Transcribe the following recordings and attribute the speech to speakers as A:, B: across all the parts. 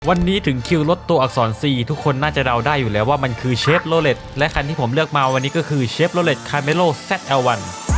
A: วันนี้ถึงคิวรถตัวอักษร C ทุกคนน่าจะเดาได้อยู่แล้วว่ามันคือเชฟโรเลตและคันที่ผมเลือกมาวันนี้ก็คือเชฟโรเลตคาร์เมโล ZL1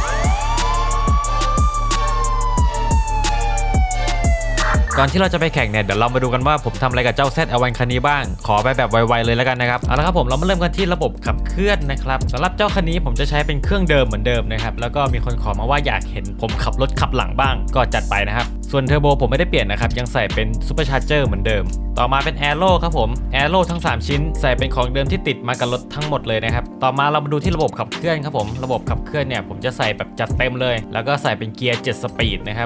A: ก่อนที่เราจะไปแข่งเนี่ยเดี๋ยวเรามาดูกันว่าผมทำอะไรกับเจ้า ZL1 คันนี้บ้างขอไปแบบไวๆเลยแล้วกันนะครับเอาละครับผมเรามาเริ่มกันที่ระบบขับเคลื่อนนะครับสำหรับเจ้าคันนี้ผมจะใช้เป็นเครื่องเดิมเหมือนเดิมนะครับแล้วก็มีคนขอมาว่าอยากเห็นผมขับรถขับหลังบ้างก็จัดไปนะครับส่วนเทอร์โบผมไม่ได้เปลี่ยนนะครับยังใส่เป็นซูเปอร์ชาร์เจอร์เหมือนเดิมต่อมาเป็นแอโร่ครับผมแอโร่ทั้ง3ชิ้นใส่เป็นของเดิมที่ติดมากับรถทั้งหมดเลยนะครับต่อมาเรามาดูที่ระบบขับเคลื่อนครับผมระบบขับเคลื่อนเนี่ยผมจะใส่แบบจัดเต็มเลยแล้วก็ใส่เป็นเกียร์7สปีดนะครับ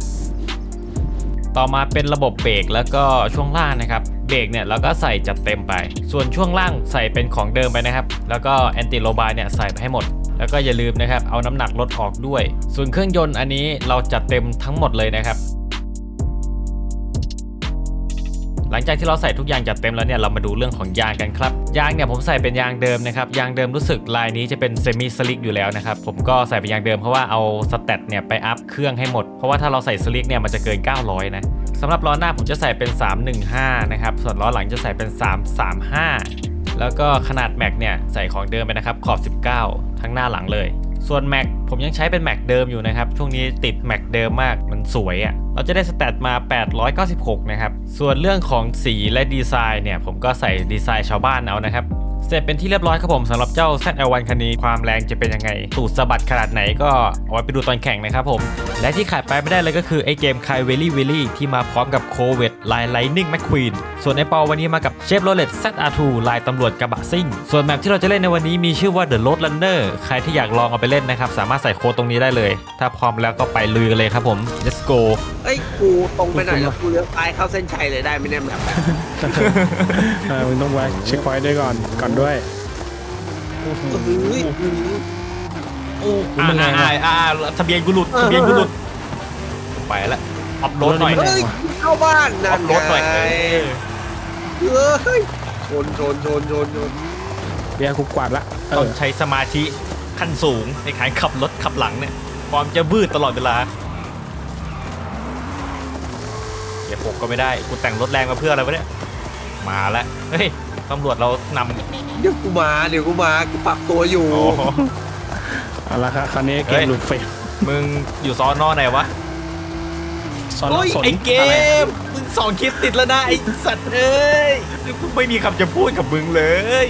A: ต่อมาเป็นระบบเบรกแล้วก็ช่วงล่างนะครับเบรกเนี่ยเราก็ใส่จัดเต็มไปส่วนช่วงล่างใส่เป็นของเดิมไปนะครับแล้วก็แอนติโลบาร์เนี่ยใส่ไปให้หมดแล้วก็อย่าลืมนะครับเอาน้ำหนักรถออกด้วยส่วนเครื่องยนต์อันนี้เราจัดเต็มทั้งหมดเลยนะครับหลังจากที่เราใส่ทุกอย่างจัดเต็มแล้วเนี่ยเรามาดูเรื่องของยางกันครับยางเนี่ยผมใส่เป็นยางเดิมนะครับยางเดิมรู้สึกลายนี้จะเป็นเซมิสลิกอยู่แล้วนะครับผมก็ใส่เป็นยางเดิมเพราะว่าเอาสเตตเนี่ยไปอัพเครื่องให้หมดเพราะว่าถ้าเราใส่สลิกเนี่ยมันจะเกิน900นะสำหรับล้อหน้าผมจะใส่เป็น315นะครับส่วนล้อหลังจะใส่เป็น335แล้วก็ขนาดแม็กเนี่ยใส่ของเดิมไปนะครับขอบ19ทั้งหน้าหลังเลยส่วนแม็กผมยังใช้เป็นแม็กเดิมอยู่นะครับช่วงนี้ติดแม็กเดิมมากมันสวยอ่ะเราจะได้สแตทมา896นะครับส่วนเรื่องของสีและดีไซน์เนี่ยผมก็ใส่ดีไซน์ชาวบ้านเอานะครับเสร็จเป็นที่เรียบร้อยครับผมสำหรับเจ้า ZL1 คันนี้ความแรงจะเป็นยังไงตูดสะบัดขนาดไหนก็เอาไว้ไปดูตอนแข่งนะครับผมและที่ขาดไปไม่ได้เลยก็คือไอเกมคายเวลี่วิลลี่ที่มาพร้อมกับโคเวตลายไลนิ่งแมคควีนส่วนไอปอวันนี้มากับเชฟโรเลต ZR2 ลายตำรวจกระบะซิ่งส่วนแมปที่เราจะเล่นในวันนี้มีชื่อว่า The Road Runner ใครที่อยากลองเอาไปเล่นนะครับสามารถใส่โค้ดตรงนี้ได้เลยถ้าพร้อมแล้วก็ไปลุยกันเลยครับผม let's go
B: เอ้ยกูตรงไปหน่อยแล้วกูเลี้ยวซ้ายเข้าเส้นชัยเลยได้ไหมเนี่ยแบบ
C: มึงต้องไว้เช็คพอยต์ด้วยก่อนด้วย
A: ทะเบียนกูหลุดไปแล้วอัพโหลดหน่อย
B: เฮ้ยเข้าบ้านนะ
A: อัพโหลดหน่อย
B: เฮ้ยชน
C: เบียร์กูกวาดละ
A: ต้องใช้สมาธิขั้นสูงในการขับรถขับหลังเนี่ยความจะบืดตลอดเวลาเดี๋ยวผมก็ไม่ได้กูแต่งรถแรงมาเพื่ออะไรวะเนี่ยมาแล้วเฮ้ยตำรวจเรานำ
B: เดี๋ยวกูมากูปรับตัวอยู่
C: เอาละครับคราวนี้เกมหลุดเฟรม
A: มึงอยู่ซอนอไหนวะไอเกมมึง2 คลิปติดแล้วนะไอสัตว์เอ้ยกูไม่มีคำจะพูดกับมึงเลย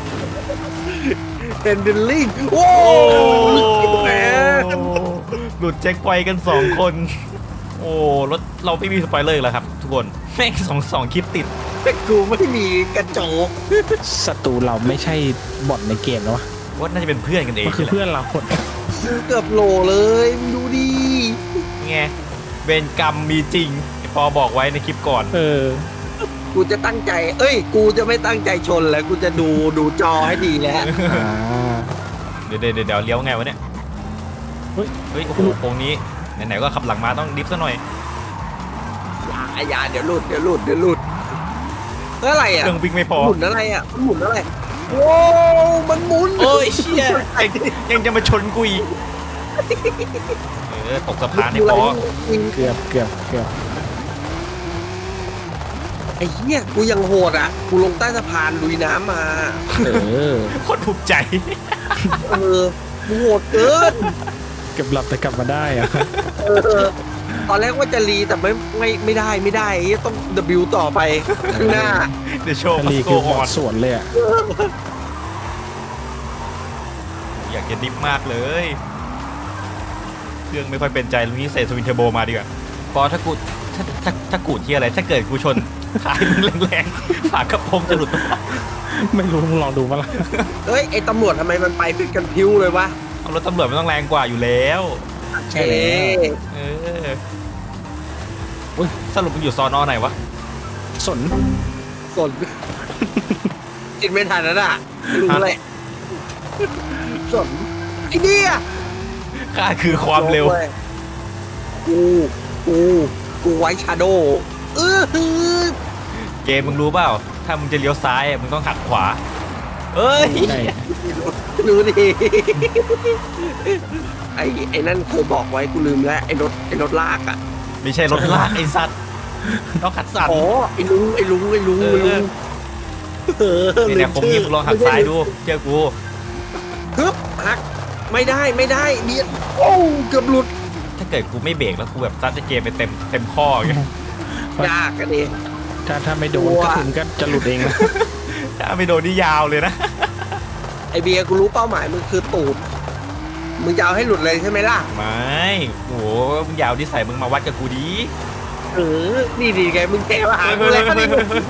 B: เป็นดิลลิ่งโอ้แหม
A: หลุดแจ็คพอยต์กัน2 คนโอ้รถเราไม่มีสปอยเลอร์แล้วครับทุกคนแม่ง2 คลิปติด
B: แต่กูไม่มีกระจก
C: ศัตรูเราไม่ใช่บอทในเกมแล้ว
A: ว่าน่าจะเป็นเพื่อนกันเอง
C: คือเพื่อนเรา
B: เกือบโหลเลยดูดิ
A: ไงเวรกรรมมีจริงปอบอกไว้ในคลิปก่อน
B: กูจะตั้งใจกูจะไม่ตั้งใจชนแล้วกูจะดูจอให้ดีแล้ว
A: เดี๋ยวเลี้ยวไงวะเนี่ยเฮ้ยโอ้โหโค้งนี้ไหนๆก็ขับหลังมาต้องดิฟซะหน่อย
B: อย่าเดี๋ยวหลุดอะไรอ่ะ
A: เครื่องวิ่งไม่พอ
B: หมุนอะไรโอ้มันหมุน
A: โอ้ยเชี่ยยังจะมาชนกูอีกตกสะพานให้พอ
C: เกือบ
B: ไอ้เหี้ยกูยังโหดอ่ะกูลงใต้สะพานลุยน้ำมา
A: โคตรภูมิใจ
B: กูโหดเกิน
C: เก็บหลับแต่กลับมาได้อะ
B: ตอนแรกว่าจะรีแต่ไม่ได้ต้อง W ต่อไปข้างหน้า
A: เดี๋ยวโชว์
C: รีคือหมดส่วนเลยอ่ะ
A: อยากจะดิฟมากเลยเครื่องไม่ค่อยเป็นใจลุงนี้ใส่สวินเทอร์โบมาดีกว่าปอถ้ากูที่อะไรถ้าเกิดกูชนท้ายมึงแรงๆฝากระโปรงจะหลุด
C: ไม่รู้มึงลองดูมั้ยล่ะ
B: ไอ้ตำรวจทำไมมันไปเป็นกันพิ้วเลยวะ
A: รถตำรวจมันต้องแรงกว่าอยู่แล้ว
C: ใช่
A: สรุปมึงอยู่ซอนอไหนวะ
C: สน
B: จิตไม่ทันแล้วน่ะรู้เลยสนไอ้เนี่ย
A: ข้าคือความเร็ว
B: กูไว้ชาโด
A: เกมมึงรู้เปล่าถ้ามึงจะเลี้ยวซ้ายมึงต้องหักขวา
B: รู้ดิไอ้นั่นเคยบอกไว้กูลืมแล้วไอ้รถลากอ่ะ
A: ไม่ใช่รถลากไอ้สัตว์ต้องขัดสัน
B: อ๋อไอ้ลุง
A: เนี่ยผมยิงลองหักซ้ายดูเชื่อกู
B: ฮึบหักไม่ได้เบียดโอ้เกือบหลุด
A: ถ้าเกิดกูไม่เบรกแล้วกูแบบซัดไอ้เกมไปเต็มข้ออย่างเงี้ย
B: ยากกันดิ
C: ถ้าไม่โดนกระสุนก็จะหลุดเองนะ
A: ถ้าไม่โดนนี่ยาวเลยนะ
B: ไอเบียร์กูรู้เป้าหมายมึงคือตูดมึงจะเอาให้หลุดเลยใช่ไหมล่ะ
A: ไม่โหมึงยาวที่ใส่มึงมาวัดกับกูดี
B: นี่ดีไงมึงแกมาหากูแล้วนี่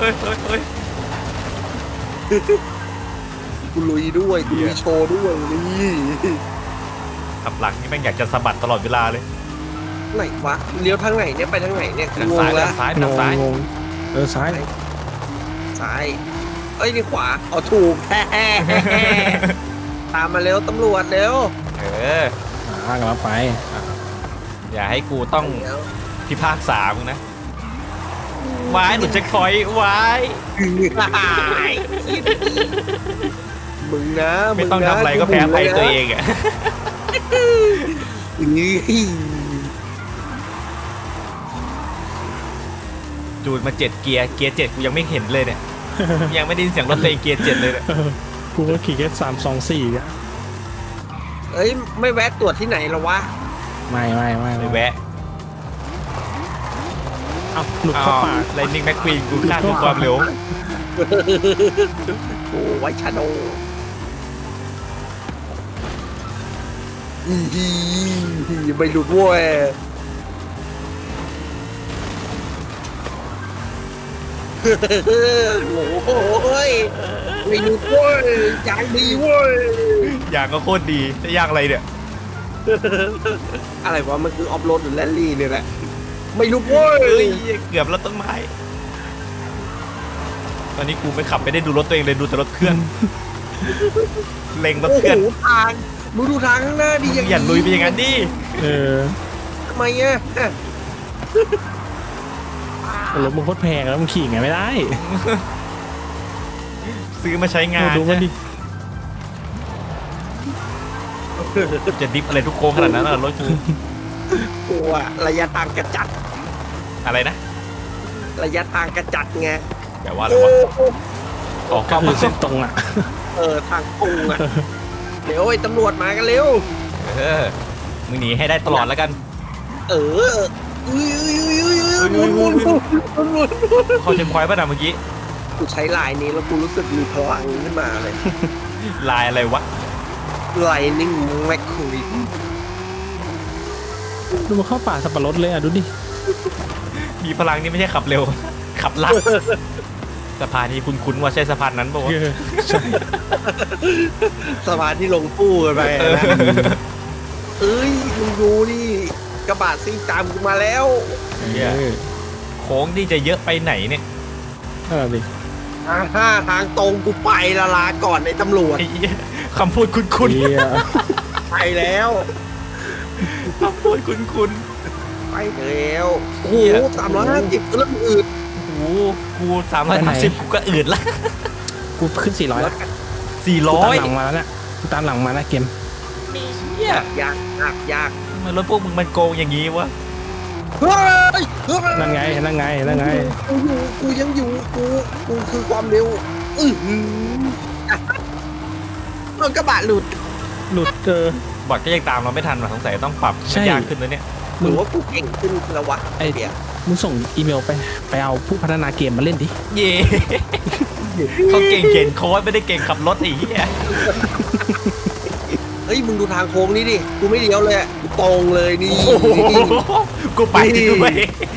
B: กูลุยด้วยกูลุยโชว์ด้วยนี่
A: ขับหลังนี่แม่งอยากจะสะบัดตลอดเวลาเลย
B: ไหนวะเลี้ยวทางไหนเนี่ยไปทางไหนเนี่ย
A: ทาง
B: ง
A: ซ้าย
B: ง
A: ไป
B: แล้ว
A: ทางซ้ายไปทางซ้าย
C: งงซ้าย
B: ซ้ายเอ้ยนี่ขวาเอาถูกแฮ่ตามมาเร็วตำรวจเร็ว
A: เออ
C: กำลังไป
A: อย่าให้กูต้อง
B: เดี๋ยว
A: พิพากษามึงนะวายหลุดเช็คพอยต์วาย
B: มึงนะ
A: ไม่ต้องทำอะไรก็แพ้ภัยตัวเองอ่ะ
B: นี่
A: จูดมา7เกียร์7กูยังไม่เห็นเลยเนี่ย ยังไม่ได้ยินเสียงรถตัวเองเกียร์7เลยเนี่ย
C: กูก็ขี่แค่324อ่ะ
B: เอ้ยไม่แวะตรวจที่ไหนหรอวะ
C: ไม่
A: ไปแวะ
C: เอาหลุดเข้าป่า
A: ไลนิ่งแม็กควีนกูคาดด้วยความเร็ว
B: โอ้ไวชาโดไม่หลุดเว้ยโอ้ยไม่หลุดเว้ยอย่างดีเว้ย
A: อย่างก็โคตรดีจะยากอะไรเนี่ย
B: อะไรวะมันคือออฟโรดหรือแรลลี่เนี่ยแหละไม่หลุดเว้
A: เอ้
B: ย
A: ยเกือบแล้วต้นไม้ตอนนี้กูไม่ขับไม่ได้ดูรถตัวเองเลยดูแต่รถเพื่อน เล็งรถ
B: โอ้
A: เพื่อน
B: โหทางมึงดูทางข้างหน้าดิ
A: อย่าลุยไปอย่างนั้นดิ
B: ทำไมอ่ะ
C: รถมึงโคตรแพงแล้วมึงขี่ไงไม่ได้
A: ซื้อมาใช้งาน
C: ดูมันดิ
A: จะดิฟอะไรทุกโค้งขนาดนั้นรถกู
B: กลัวระยะทางกระจัด
A: อะไรนะ
B: ระยะทางกระจัดไง
A: แปลว่าอะไรวะออก
C: ก็
A: เข้า
C: คื
A: มา
C: อเส้นตรงอ่ะ
B: ทางตรงอ่ะเดี๋ยวไอ้ตำรวจมากันเร็ว
A: เออมึงหนีให้ได้ตลอดแล้วกัน เขาเช็คพอยต์ป่ะนะเมื่อกี้
B: กูใช้ลายนี้แล้วกูรู้สึกมีพลังขึ้นมาเลย
A: ลายอะไรวะ
B: Lightning McQueen
C: ดูมันเข้าป่าสับปะรดเลยอ่ะดูดิ
A: มีพลังนี่ไม่ใช่ขับเร็ว ขับลัดสะพานนี้คุ้นๆว่าใช่สะพานนั้นป่าวะ
C: ใช่
B: สะพานที่ลงปู้กันไปนะเอ้ยมึงดูนี่กระบะซิ่งตามกูมาแล้ว
A: โค้งนี่จะเยอะไปไหนเนี่ย
C: ดิ
B: ทางตรงกูไปละลาก่อนไอ้ตำรวจ
A: ไอ้เหี้ยคำพูดคุ้น
C: เหี้ย
B: ไปแล้ว
A: ๆคำพูดคุ้น
B: ไปแล้วโอ้โห350เริ่มอืด
A: ๆโอ้โหกู330กูก็อืดละ
C: กูขึ้น400แล้ว
A: 400
C: ตามหลังมาแล้วเนี่ยตามหลังมานะเกม
A: เหี้ย
B: ยาก
A: ทำไมรถพวกมึงมันโกงอย่างงี้วะ
B: เฮ้ย
C: นั่นไง
B: กูยังอยู่กูคือความเร็วมันกระบะหลุด
C: หลุด
A: บอทก็ยังตามเราไม่ทันหรอกสงสัยต้องปรับ
C: ใช่
A: ให้ยากขึ้นแล้วเนี่ย
B: หรือว่ากูเก่งขึ้นแล้ววะ
C: ไอ้
B: เดี๋ยว
C: มึงส่งอีเมลไปเอาผู้พัฒนาเกมมาเล่นดิ
A: เย่เขาเก่งเขียนโค้ดไม่ได้เก่งขับรถไอ้เหี้ย
B: เฮ้ยมึงดูทางโค้งนี้ดิกูไม่เลี้ยวเลยกูตรงเลยนี่
A: โอ้โหกูไปด้วย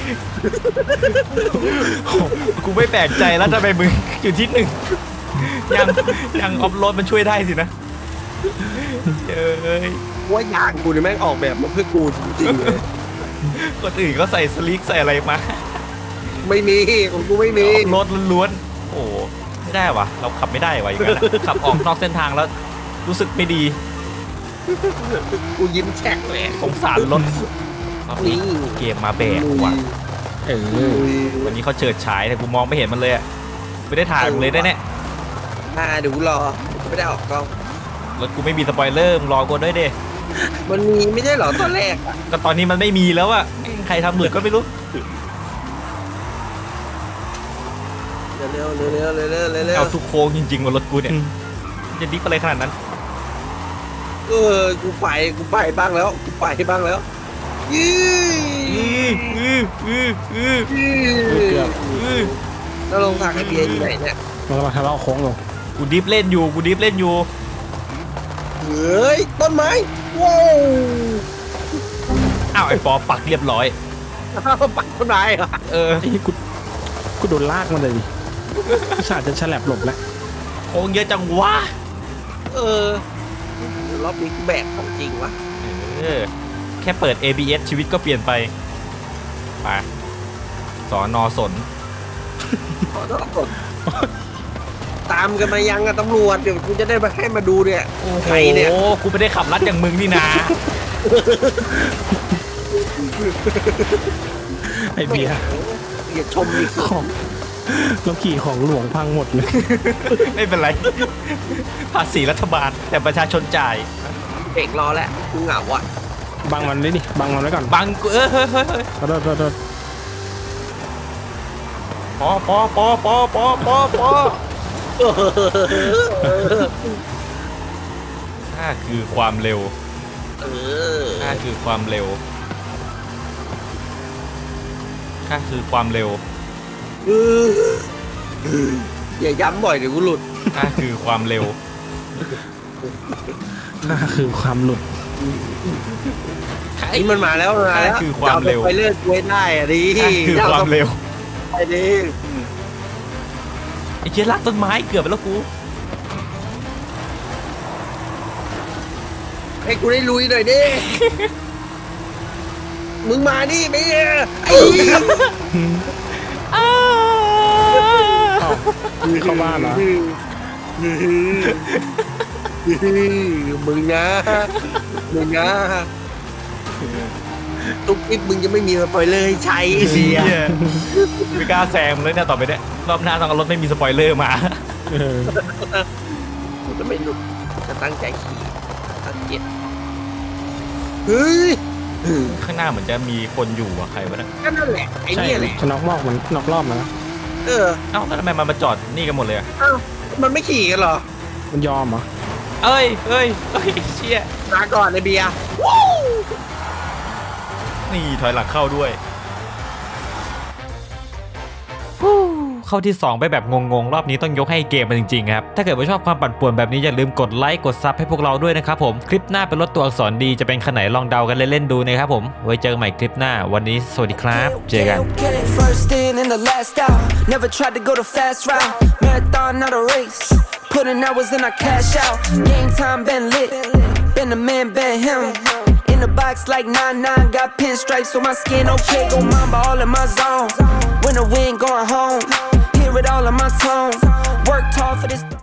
A: กูไม่แปลกใจแล้วทำไมมึงอยู่ที่หนึ่งยังออฟโรดมันช่วยได้สินะเอ้ย
B: ว่ายางกูนี่แม่งออกแบบมาเพื่อกูจริงๆเลย
A: คนอื่นก็ใส่สลิกใส่อะไรมา
B: ไม่มีของกูไม่มี
A: ออฟโรดล้วนๆโอ้ไม่ได้วะเราขับไม่ได้วะอย่างนั้นอะขับออกนอกเส้นทางแล้วรู้สึกไม่ดี
B: กูยิ้มแฉกเลย
A: สงสารรถนี่เกมมาแบกว่ะ วันนี้เขาเฉิดฉายแต่กูมองไม่เห็นมันเลยอะไม่ได้ถ่ายมันเลยแน่
B: ดูรอไม่ได้ออกกล้อง
A: ๆรถกูไม่มีสปอยเลอร์มึงรอกูด้วยดิ
B: มันมีไม่ใช่เหรอตอนแรก
A: ก็ตอนนี้มันไม่มีแล้วอะใครทำหลุดก็ไม่รู้
B: ร็วเร็วเร็วเร็วเร็วเร็ว
A: เอาทุกโค้งจริงๆบนรถกูเนี่ยจะดิฟอะไรขนาดนั้น
B: กูไปบ้างแล้วกูไปบ้างแล้วยี่
C: เกือบ
B: แล้วลงทางไอเบียอยู่ไหนเนี่ย
C: มันกำลังทะเลาะโค้งอยู่
A: กูดิฟเล่นอยู่
B: เฮ้ยต้นไม้ว้าว
A: อ้าวไอ้ปอปักเรียบร้อย
B: ปักต้นไม้เหรอ
A: เออ
C: ไอ้กูโดนลากมันเลยดิอุตส่าห์จะฉลับหลบแล้ว
A: โค้งเยอะจังวะ
B: รอบนี้กูแบกของจริงวะ
A: แค่เปิด ABS ชีวิตก็เปลี่ยนไปไปสอนอสน
B: ขอโทษตามกันมายังอะตำรวจเดี๋ยวกูจะได้มาให้มาดูเนี่ยใครเนี่ย
A: โอ้กูไม่ได้ขับรัดอย่างมึงนี่นา
C: ไอ้เบียร์
B: อย่าชมดิ
C: ของเราขี่ของหลวงพังหมดเลย
A: ไม่เป็นไร ภาษีรัฐบาลแต่ประชาชนจ่าย
B: เบรกรอแล้วกูเหงาอ่ะ
C: บังมันเลยดิบังมันไว้ก่อน
A: บังกูเฮ้ย
C: ขอโทษ
A: ปอน่าคือความเร็ว น่าคือความเร็ว น่าคือความเร็ว
B: อย่าย้ำบ่อยเดี๋ยวกูหลุด
A: น่าคือความเร็ว
C: น่าคือความหลุด
B: นี่มันมาแล้วมาแล้ว
A: คือความเร็ว
B: ไปเลิกไว้ได้อะดิ
A: น่าคือความเร็ว
B: ไปดิ
A: ไอ้เชี่ยลากต้นไม้เกือบไปแล้วกู
B: ให้กูได้ลุยหน่อยดิ มึงมาดิไปไอ้
C: อ้าวเข้าบ้านเหรอ
B: มึงนะตุ๊กติ๊บมึงจะไม่มีสปอยเลอร์ให้ใช้ไอ้เสีย
A: ไม่กล้าแซงเลยเนี่ยต่อไปเนี่ยรอบหน้าต้องเอารถไม่มีสปอยเลอร์มา
C: เออ
B: กูจะไม่หลุดจะตั้งใจขี่ตั้งเจ็ดเฮ้ย
A: ข้างหน้าเหมือนจะมีคนอยู่อะใครวะเนี่ย
B: ก็นั่นแหละไอ้
C: ใช่
B: เนี่ยแหละ
C: จะน็อกรอบมันน็อกรอบนะ
B: เออ
A: เอ้าแล้วทำไมมันมาจอดนี่กันหมดเลยอะ
B: เอ้ามันไม่ขี่กันเหรอ
C: มันยอมเหรอ
A: เอ้ยเชี่ย
B: มาก่อนไอ้เบียร์
A: นี่ถอยหลังเข้าด้วยเข้าที่ 2 ไปแบบงงๆ รอบนี้ต้องยกให้เกมมันจริงๆครับ ถ้าเกิดว่าชอบความปั่นป่วนแบบนี้อย่าลืมกดไลค์กดซับให้พวกเราด้วยนะครับผม คลิปหน้าเป็นรถตัวอักษรดีจะเป็นคันไหนลองเดากันเล่นๆดูนะครับผม ไว้เจอกันใหม่คลิปหน้าวันนี้สวัสดีครับเจอกัน
D: First in and the last out. Never tried to go the fast route. Marathon, not a race. Putting hours in, I cash out. Game time been lit. Been the man, been him. In the box like 9-9. Got pinstripes on my skin. Okay, go mamba all in my zone. When the wind going home. Hear it all in my tone. Worked hard for this.